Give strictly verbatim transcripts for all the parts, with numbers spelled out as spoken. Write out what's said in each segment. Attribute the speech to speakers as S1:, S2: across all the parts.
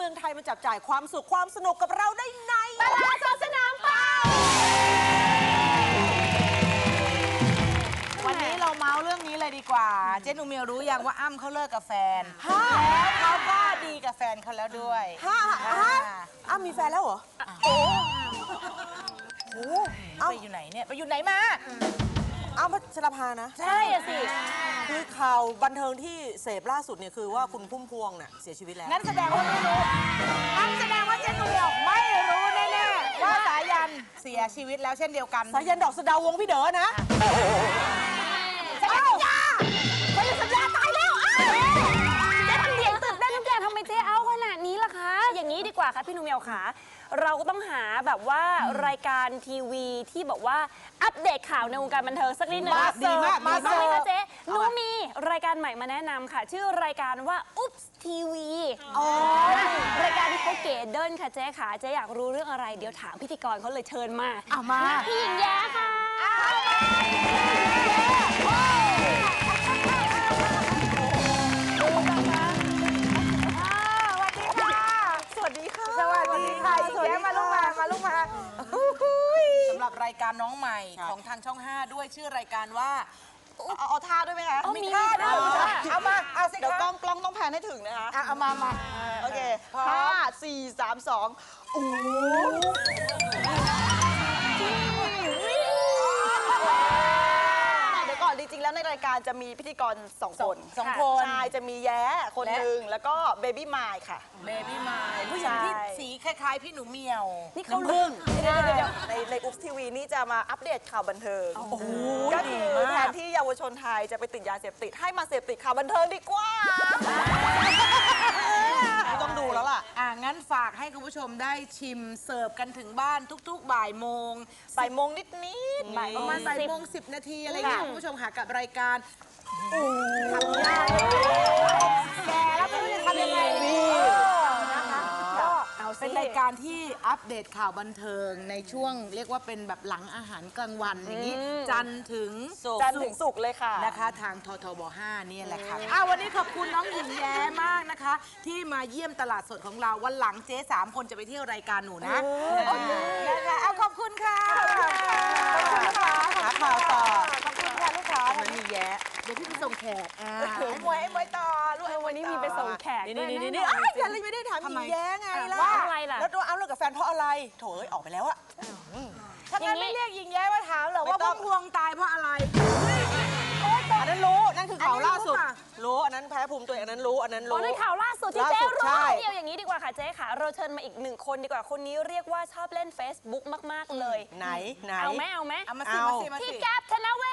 S1: งไทยมาจับจ่ายความสุขความสนุกกับเราได้ในตลาดสดสนามเป้า
S2: วันนี้เราเมาส์เรื่องนี้เลยดีกว่าเจ๊หนูเมียวรู้ยังว่าอ้ำเขาเลิกกับแฟนแล้วเขาก็ดีกับแฟนเขาแล้วด้วย
S1: ฮะฮะอ้ำมีแฟนแล้วเหรอโอ้โห
S2: ไปอยู่ไหนเนี่ยไปอยู่ไหนมา
S1: อ้ำพัชรภานะ
S2: ใช่อะสิ
S1: คือข่าวบันเทิงที่เสพล่าสุดเนี่ยคือว่าคุณพุ่มพวงเนี่ยเสียชีวิตแล้ว
S2: งั้นแสดงว่าไม่รู้งั้นแสดงว่าเจ๊หนูเมียวไม่รู้แน่ๆว่าสายันเสียชีวิตแล้วเช่นเดียวกัน
S1: สายันดอกสะดาววงพี่เด๋อนะ
S3: สัญญาเขาจะสัญญาตายแล้วเจ๊ทำเสียงตื่นเต้นทุกอย่างทำไมเจ๊เอาขนาดนี้ล่ะคะอย่างนี้ดีกว่าค่ะพี่นุ่มเมียวขาเราก็ต้องหาแบบว่ารายการทีวีที่บอกว่าอัปเดตข่าวในวงการบันเทิงสักนิดนึง
S1: ดีมาก
S3: มาบ้างไหมคะเจ๊หนูมีรายการใหม่มาแนะนำค่ะชื่อรายการว่าอุ๊บทีวีรายการที่เขาเก๋เดินค่ะเจ๊ขาเจ๊อยากรู้เรื่องอะไรเดี๋ยวถามพิธีกรเขาเลยเชิญมา
S2: เอามา
S3: พี่หญิงแย้ค่ะ
S1: สวัสดีค่ะ
S2: สวัสดีค่ะหญิงแย้มาลูกมามาลูกมาสำหรับรายการน้องใหม่ของทางช่องห้าด้วยชื่อรายการว่า
S1: เอาเอาท่าด้วยไหมคะ
S3: มีท่าด้วย
S2: เอามาเอาสิ
S1: เดี๋ยวกล้องกล้องต้องแพนให้ถึงนะคะ
S2: เอามามา
S1: โอเคห้าสี่สามสองโอ้เดี๋ยวก่อนจริงๆแล้วในรายการจะมีพิธีกรสองคน
S2: สองคน
S1: ใช่จะมีแย้คนหนึ่งแล้วก็เบบี้มายค่ะ
S2: เบบี้มายผู้หญิงที่สีคล้ายๆพี่หนูเมียว
S3: นี่เขา
S2: พึ่ง
S1: ในในอุ๊บทีวีนี่จะมาอัปเดตข่าวบันเทิงก็คือแทนที่เยาวชนไทยจะไปติดยาเสพติดให้มาเสพติดข่าวบันเทิงดีกว่าไม่ต้องดูแล้วล่ะ
S2: อ่ะงั้นฝากให้คุณผู้ชมได้ชิมเสิร์ฟกันถึงบ้านทุกๆบ่ายโมง
S1: บ่ายโมงนิดนิด
S2: ประมาณบ่ายโมงสิบนาทีอะไรอย่างเงี้ยคุณผู้ชมค่ะกับรายการทำยากแกแล้วไม่รู้จะทำยังไงดีนะคะก็เป็นรายการที่อัปเดตข่าวบันเทิงในช่วงเรียกว่าเป็นแบบหลังอาหารกลางวันอย่างนี้จันทร์ถึง
S1: จันทร์ถึงศุกร์เลยค่ะ
S2: นะคะทางททบห้านี่แหละค่ะอ้าววันนี้ขอบคุณน้องหญิงแย้มากนะคะ ที่มาเยี่ยมตลาดสดของเราวันหลังเจ๊สามคนจะไปเที่ยวรายการหนูนะนะคะเอาขอบคุณค่ะ
S1: ขอบคุณนะคะหาข่าวต่อขอบคุณค่ะลูกค้า
S2: มันมีแย้เดี๋ยวพี่ไปส่งแขกอ่าไอ้มวยไอ้มวยต่อลูกไอ้
S3: วันนี้มีไปส่งแขก
S1: นี่นี่นี่นี่ไอ้ยันเลยไม่ได้ถามหญิงแย้ไงล่ะ
S3: ว่าอะไรล่ะ
S1: แล้วตัวอ้ำเลิกกับแฟนเพราะอะไรโถเอ้ยออกไปแล้วอะ
S2: ถ้างั้นไม่เรียกหญิงแย้มาถามเหรอว่าพุ่มพวงตายเพราะอะไร
S1: อันนั้นรู้นั่นคือข่าวล่าสุดรู้อันนั้นแพ้ภูมิตัวอันนั้นรู้อันนั้นรู้
S3: อันนั้นข่าวล่าสุดที่เจ๊รู้เดียวอย่างนี้ดีกว่าค่ะเจ๊ค่ะเราเชิญมาอีกหนึ่งคนดีกว่าคนนี้เรียกว่าชอบเล่น Facebook มากๆเลย
S1: ไหนไหน
S3: เอาไหมเอาไหม
S2: เอามาสิมาสิมาสิ
S3: พี่แก๊ปธนเว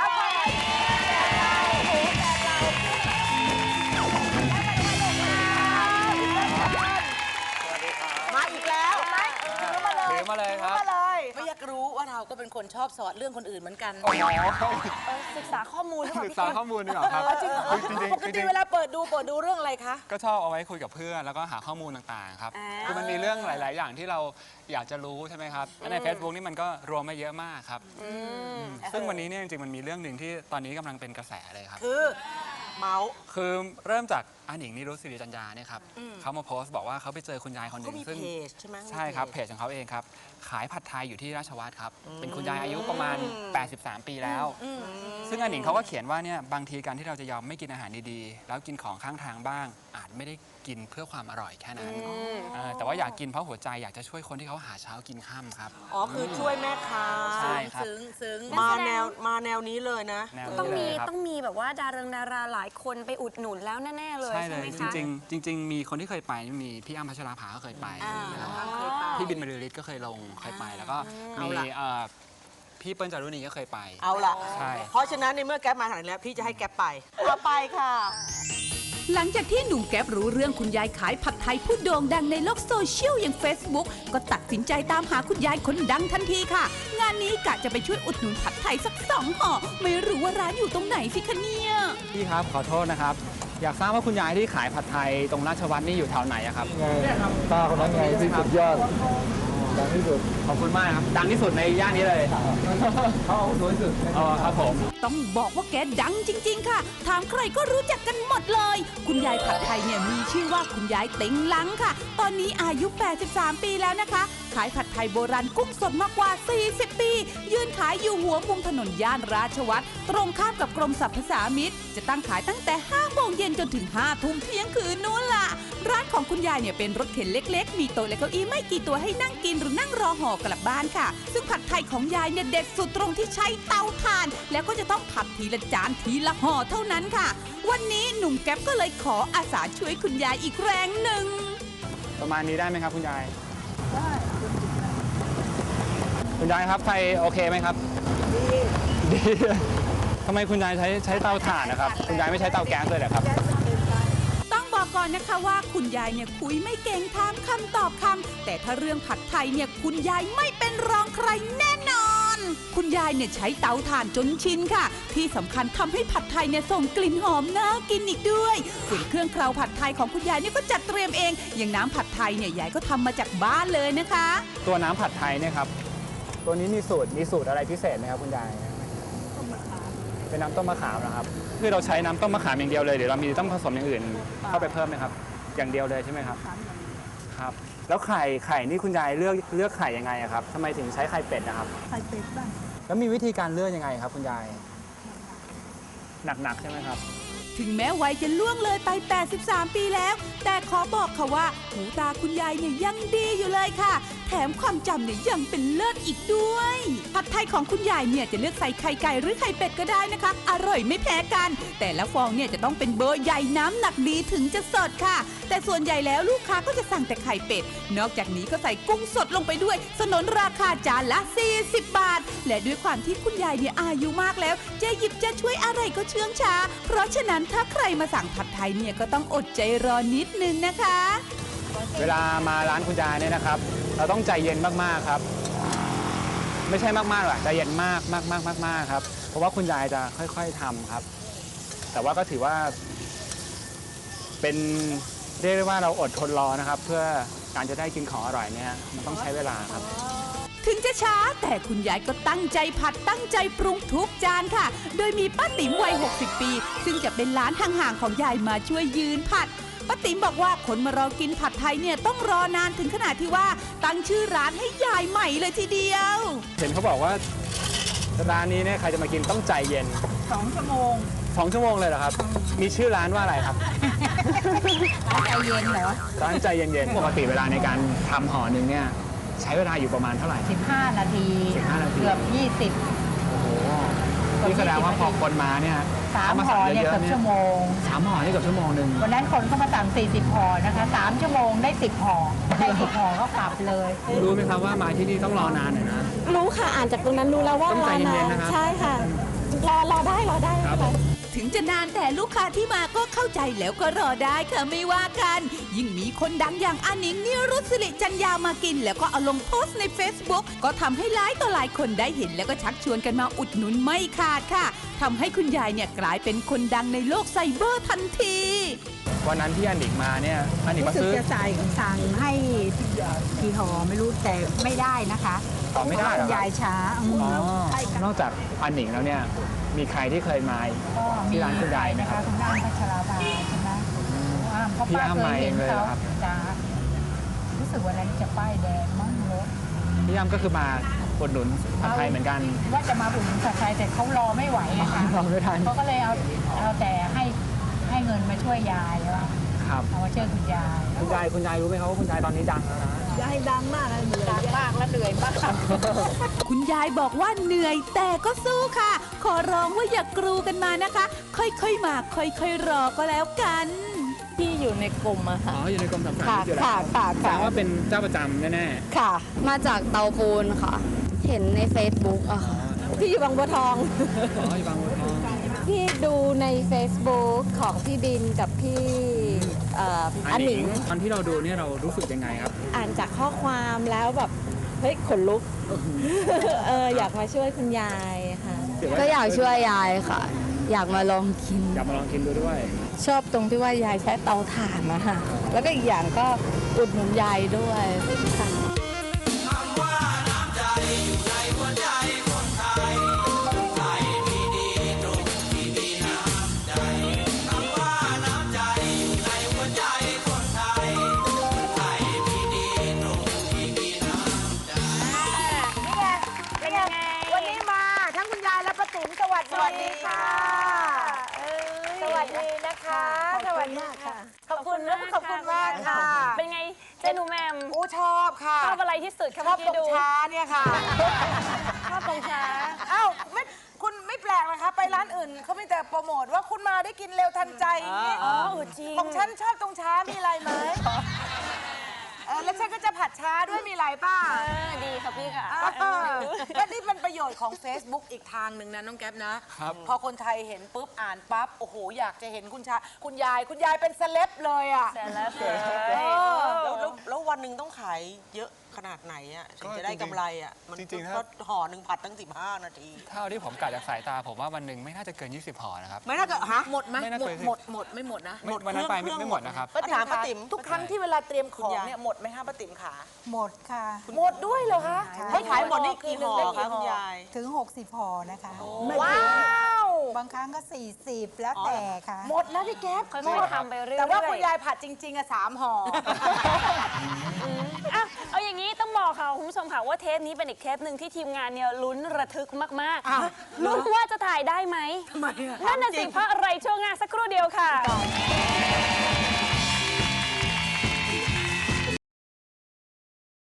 S1: ศมาอีกแล้ว
S4: ถือมาเลยครับ
S2: มาเลยไม่อยากรู้ว่าเราก็เป็นคนชอบสอดเรื่องคนอื่นเหมือนกัน
S3: ศึกษาข้อมูล
S4: ศึกษาข้อมูลดีกว่าครับ
S2: จริงปกติเวลาเปิดดูเปิดดูเรื่องอะไรคะ
S4: ก็ชอบเอาไว้คุยกับเพื่อนแล้วก็หาข้อมูลต่างๆครับคือมันมีเรื่องหลายๆอย่างที่เราอยากจะรู้ใช่ไหมครับใน Facebook นี่มันก็รวมมาเยอะมากครับซึ่งวันนี้เนี่ยจริงๆมันมีเรื่องหนึ่งที่ตอนนี้กำลังเป็นกระแสเลยครับ
S1: คือเมาส์
S4: คือเริ่มจากอาหนิงนิรุตศิริจัญญาเนี่ยครับเขามาโพสต์บอกว่าเขาไปเจอคุณยายคนหนึ่งซึ่ง
S1: ใช่ไหม
S4: ใช่ครับเพจของเขาเองครับขายผัดไทยอยู่ที่ราชวัตรครับเป็นคุณยายอายุประมาณแปดสิบสามปีแล้วซึ่งอาหนิงเขาก็เขียนว่าเนี่ยบางทีการที่เราจะยอมไม่กินอาหารดีๆแล้วกินของข้างทางบ้างอาจไม่ได้กินเพื่อความอร่อยแค่นั้นแต่ว่าอยากกินเพราะหัวใจอยากจะช่วยคนที่เขาหาเช้ากินค่ำครับ
S1: อ๋อคือช่วยแม่ค้า
S4: ใช่ครับ
S2: ซึ้งซึ้ง
S1: มาแนวมาแนวนี้เลยนะ
S3: ต้องมีต้องมีแบบว่าดาราดาราหลายคนไปอุดหนุนแล้วแน่ๆเลย
S4: ใช่เลยจริงๆจริงๆมีคนที่เคยไปมีพี่อ้ำพัชราภาก็เคยไปพี่บินบรรลือฤทธิ์ก็เคยลงเคยไปแล้วก็มีพี่เปิ้ลจารุณีก็เคยไป
S1: เอาล่ะ
S4: ใช่
S1: เพราะฉะนั้นในเมื่อแก๊ปมาขนาดนี้พี่จะให้แก๊ปไปเอาไปค่ะ
S5: หลังจากที่หนุ่มแก๊ปรู้เรื่องคุณยายขายผัดไทยผู้โด่งดังในโลกโซเชียลอย่าง Facebook ก็ตัดสินใจตามหาคุณยายคนดังทันทีค่ะงานนี้กะจะไปช่วยอุดหนุนผัดไทยสักสองห่อไม่รู้ว่าร้านอยู่ตรงไหนสิคะเนี่ย
S4: พี่ครับขอโทษนะครับอยากทราบว่าคุณยายที่ขายผัดไทยตรงราชวัตรนี่อยู่แถวไหนครับ
S6: เนี่ยครับตาคนนั้นไงที่สุดยอด
S4: ดังที่สุดขอบคุณมากครับดังที่สุดในย่านนี้เลยเขาสวยสุดอ๋อครับผม
S5: ต้องบอกว่าแกดังจริง ๆ ค่ะ ถามใครก็รู้จักกันหมดเลย คุณยายผัดไทยเนี่ยมีชื่อว่าคุณยายเต็งลังค่ะ ตอนนี้อายุ แปดสิบสาม ปีแล้วนะคะ ขายผัดไทยโบราณกุ้งสดมากกว่า สี่สิบ ปี ยืนขายอยู่หัวมุมถนนย่านราชวัตรตรงข้ามกับกรมสรรพสามิตจะตั้งขายตั้งแต่ ห้า โมงเย็นจนถึง ห้า ทุ่มเที่ยงคืนนู้นล่ะ ร้านของคุณยายเนี่ยเป็นรถเข็นเล็ก ๆ มีโต๊ะและเก้าอี้ไม่กี่ตัวให้นั่งกินหรือนั่งรอห่อกลับบ้านค่ะ ซึ่งผัดไทยของยายเนี่ยเด็ดสุดตรงที่ใช้เตาถ่าน แล้วก็จะต้องผัดทีละจานทีละห่อเท่านั้นค่ะ วันนี้หนุ่มแก๊ปก็เลยขออาสาช่วยคุณยายอีกแรงหนึ่ง
S4: ประมาณนี้ได้ไหมครับคุณยายได้คุณยายครับไฟโอเคไหมครับดีดีทำไมคุณยายใช้ใช้เตาถ่านนะครับคุณยายไม่ใช้เตาแก๊สเลยเหรอครับ
S5: ต้องบอกก่อนนะคะว่าคุณยายเนี่ยคุยไม่เก่งถามคำตอบคำแต่ถ้าเรื่องผัดไทยเนี่ยคุณยายไม่เป็นรองใครแน่นอน คุณยายเนี่ยใช้เตาถ่านจนชินค่ะ ที่สำคัญทำให้ผัดไทยเนี่ยส่งกลิ่นหอมน่ากินอีกด้วยส่วนเครื่องเคราผัดไทยของคุณยายเนี่ยก็จัดเตรียมเองอย่างน้ำผัดไทยเนี่ยยายก็ทำมาจากบ้านเลยนะคะ
S4: ตัวน้ำผัดไทยเนี่ยครับตัวนี้มีสูตรมีสูตรอะไรพิเศษไหมครับคุณยายเป็นน้ำต้มมะขามนะครับคือเราใช้น้ำต้มมะขามอย่างเดียวเลยหรือเรามีต้องผสมอย่างอื่นเข้าไปเพิ่มไหมครับอย่างเดียวเลยใช่ไหมครับครับแล้วไข่ไข่นี่คุณยายเลือกเลือกไข่ยังไงอะครับทำไมถึงใช้ไข่เป็ดนะครับไข่เป็ดบ้างแล้วมีวิธีการเลือกยังไงครับคุณยายหนักๆใช่ไหมครับ
S5: ถึงแม้วัยจะล่วงเลยไป แปดสิบสาม ปีแล้ว แต่ขอบอกค่ะว่าหูตาคุณยายเนี่ยยังดีอยู่เลยค่ะ แถมความจำเนี่ยยังเป็นเลิศอีกด้วย ผัดไทยของคุณยายเนี่ยจะเลือกใส่ไข่ไก่หรือไข่เป็ดก็ได้นะคะ อร่อยไม่แพ้กัน แต่ละฟองเนี่ยจะต้องเป็นเบอร์ใหญ่น้ำหนักดีถึงจะสดค่ะ แต่ส่วนใหญ่แล้วลูกค้าก็จะสั่งแต่ไข่เป็ด นอกจากนี้ก็ใส่กุ้งสดลงไปด้วยสนนราคาจานละ สี่สิบบาท และด้วยความที่คุณยายเนี่ยอายุมากแล้วจะหยิบจะช่วยอะไรก็เชื่องช้า เพราะฉะนั้นถ้าใครมาสั่งผัดไทยเนี่ยก็ต้องอดใจรอนิดนึงนะคะ
S4: เวลามาร้านคุณยายเนี่ยนะครับเราต้องใจเย็นมากๆครับไม่ใช่มากๆหรอกใจเย็นมากมากมากมากมากครับเพราะว่าคุณยายจะค่อยๆทำครับแต่ว่าก็ถือว่าเป็นเรียกได้ว่าเราอดทนรอนะครับเพื่อการจะได้กินของอร่อยเนี่ยมันต้องใช้เวลาครับ
S5: ถึงจะช้าแต่คุณยายก็ตั้งใจผัดตั้งใจปรุงทุกจานค่ะ โดยมีป้าติ๋มวัย หกสิบ ปี ซึ่งจะเป็นร้านห่างๆของยายมาช่วยยืนผัดป้าติ๋มบอกว่าคนมารอกินผัดไทยเนี่ยต้องรอนานถึงขนาดที่ว่าตั้งชื่อร้านให้ยายใหม่เลยทีเดียว
S4: เห็นเขาบอกว่าร้านนี้เนี่ยใครจะมากินต้องใจเย็น
S2: สองชั่วโมง
S4: สองชั่วโมงเลยเหรอครับมีชื่อร้านว่าอะไรครับ
S2: ใจเย็นเหรอ
S4: ร้านใจเย็นๆปกติเวลาในการทำห่อหนึ่งเนี่ยใช้เวลาอยู่ประมาณเท่าไหร่
S2: สิบห้านาที
S4: สิบห้านาที
S2: เกือบยี่สิบ
S4: โอ้โหนี่แสดงว่าพอคนมาเนี่ย
S2: สามห่อเนี่ยเกือบชั่วโมง
S4: สามห่อนี่เกือบชั่วโมงหนึ่ง
S2: วันนั้นคนเข้ามาสั่งสี่สิบห่อนะคะสามชั่วโมงได้สิบห่อได้สิบห่อก็กลับเลย
S4: รู้ไหมครับว่ามาที่นี่ต้องรอนานหน่อยนะ
S3: รู้ค่ะอ่านจากตรงนั้นรู้แล้วว่า
S4: ต้องใจเย็นๆนะครับ
S3: ใช่ค่ะรอรอได้รอได้ค่ะ
S5: ถึงจะนานแต่ลูกค้าที่มาก็เข้าใจแล้วก็รอได้ค่ะไม่ว่ากันยิ่งมีคนดังอย่างอานิงนิรุตศิริจันยามากินแล้วก็เอาลงโพสต์ใน Facebook ก็ทำให้หลายต่อหลายคนได้เห็นแล้วก็ชักชวนกันมาอุดหนุนไม่ขาดค่ะทำให้คุณยายเนี่ยกลายเป็นคนดังในโลกไซเบอร์ทันที
S4: วันนั้นที่อานิงมาเนี่ยอานิงมาซื้อ
S2: จะใส่สั่งให้กี่ห่อไม่รู้แต่ไม่ได้นะคะ
S4: ต่อไม่ได้หรอย
S2: ายช้
S4: านอกจากอานิงแล้วเนี่ยมีใครที่เคยมาที่ร้านคุณยายไหมครับ
S2: คุณอ้ำพัชราภาใช่ไหม
S4: พี่อ้ำมาเองเลยครับ
S2: รู้สึกว่านั้นจะป้ายแดงมั่งรถ
S4: พี่อ้ำก็คือมาอุดหนุนผัดไทยเหมือนกัน
S2: ว่าจะมาอุดหนุนผัดไทยแต่เขารอไม่ไหวนะคะ
S4: รอไม่ทัน
S2: เขาก็เลยเอาเอาแต่ให้ให้เงินมาช่วยยายว่า
S4: ครับ
S2: เอามาช่วยคุณยาย
S4: คุณยายคุณยายรู้ไหมครับว่าคุณยายตอนนี้ดังแล้วนะ
S2: ยายดังมากเลยดังมากและเหนื่อยมาก
S5: คุณยายบอกว่าเหนื่อยแต่ก็สู้ค่ะขอร้องว่าอย่ากรูกันมานะคะค่อยๆมาค่อยๆรอก็แล้วกัน
S3: ที่อยู่ในกลุ่มอะค่ะ
S4: อ๋ออยู่ในกลุ่มสำคัญ
S3: ที่อยู่แล้วค่ะค่ะ
S4: แปลว่าเป็นเจ้าประจำแน่
S3: ๆค่ะมาจากเตาปูนค่ะเห็นใน Facebook อะค่ะที่อยู่บางบัวทอง
S4: อ๋ออยู่บางบัวทอง
S3: พี่ดูใน Facebook ของพี่บินกับพี่
S4: อันหนิงตอนที่เราดูเนี่ยเรารู้สึกยังไงครับ
S3: อ่านจากข้อความแล้วแบบเฮ้ยขนลุกเอออยากมาช่วยคุณยายค่ะก็อยากช่วยยายค่ะอยากมาลองกิน
S4: อยากมาลองกินดูด้วย
S3: ชอบตรงที่ว่ายายใช้เตาถ่านนะคะแล้วก็อีกอย่างก็อุดหนุนยายด้วยค่ะเป็นยังไง
S2: วันนี้มาทั้งคุณยายและป้าติ๋มสวัส
S1: สวัส
S2: ดี
S1: ดี
S2: ค่ะ
S1: ค่ะ
S2: สวัสดีนะคะสวัสดีค่ะขอบคุณนะขอบคุณมากค่ะ
S3: เป็นไงเจนูแมม
S2: อู้ชอบค่ะ
S3: ชอบอะไรที่สุดคะ
S2: ชอบ
S3: เมื่อ
S2: ตร
S3: กี้
S2: ง
S3: ดู
S2: ช้าเนี่ยค่ะ
S3: ชอบตรงช้า
S2: เอ้าไม่คุณไม่แปลกนะคะไปร้านอื่นเขาไม่แต่โปรโมทว่าคุณมาได้กินเร็วทันใจอย่างนี้
S3: อ๋อเออจริง
S2: ของฉันชอบตรงช้ามีอะไรไหมเออแล้วฉันก็จะผัดช้าด้วยมีอะไรป้า
S3: เออดีค่ะพี่ค่ะ
S2: เออก็นี่เป็นประโยชน์ของ Facebook อีกทางหนึ่งนะน้องแก๊ปนะ
S4: ครับ
S2: พอคนไทยเห็นปุ๊บอ่านปั๊บโอ้โหอยากจะเห็นคุณชาคุณยายคุณยายเป็นเซเลบเลยอ่ะ
S3: แต่ละเสือ
S6: แล้วแล้วแล้ววันหนึ่งต้องขายเยอะขนาดไหนอ่ะถึงจะได้กำไรอ่ะ มัน
S4: จริงๆถ้า
S6: ก็ห่อหนึ่งผัดตั้งสิบห้านาที
S4: เท่าที่ผมกะจากสายตาผมว่าวันหนึ่งไม่น่าจะเกิน ยี่สิบห่อนะครับ
S6: ไม่น่าจะฮะ
S2: หมดไหม
S4: ไม่น่า
S2: หมด
S4: เคย
S2: หมดหมดไม่หมดนะ
S4: ไม่วันนั้นไปไม่ไม่หมดนะครับ
S6: ป้าติ๋มป้าติ๋ม
S2: ทุกครั้งที่เวลาเตรียมของ
S6: คุณยาย
S2: เนี่ยหมดไหมคะป้าติ๋มขา
S7: หมดค่ะ
S2: หมดด้วยเหรอคะ
S6: ให้ขายหมดนี่กี่ห่อคะคุณยาย
S7: ถึง 60ห่อนะคะ
S2: ว้าว
S7: บางครั้งก็ 40 แล้วแต่ค่ะ
S2: หมดนะพี่แก๊ป
S3: ค่อยๆทำไปเรื่อยๆ
S2: แต่ว่าคุณยายผัดจริงๆอะสามห่อ
S3: อ่ะเอาอย่างนี้ต้องบอกค่ะคุณผู้ชมค่ะว่าเทปนี้เป็นอีกเทปหนึ่งที่ทีมงานเนี่ยลุ้นระทึกมากๆลุ้นว่าจะถ่ายได้ไหม
S2: ทำไมอะ
S3: นั่นน่ะสิเพราะอะไรช่วงงานสักครู่เดียวค่ะ